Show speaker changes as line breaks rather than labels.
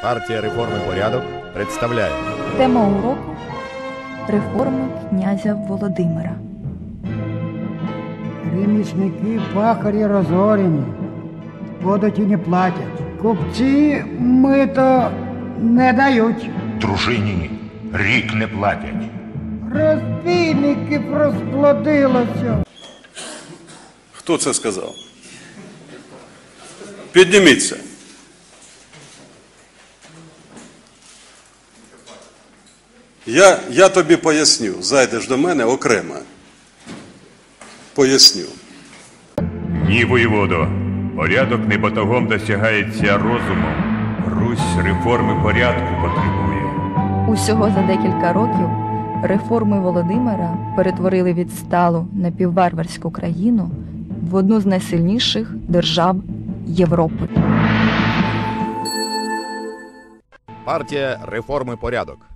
Партія «Реформи порядок» представляє.
Тема уроку – реформи князя Володимира.
Ремісники, пахарі розорені, податі не платять. Купці мито не дають.
Дружині рік не платять.
Розбійники розплодилося.
Хто це сказав? Підніміться. Я тобі поясню. Зайдеш до мене окремо. Поясню.
Ні, воєводо, порядок не батогом досягається розумом. Русь реформи порядку потребує.
Усього за декілька років реформи Володимира перетворили відсталу напівварварську країну в одну з найсильніших держав Європи.
Партія «Реформи порядок».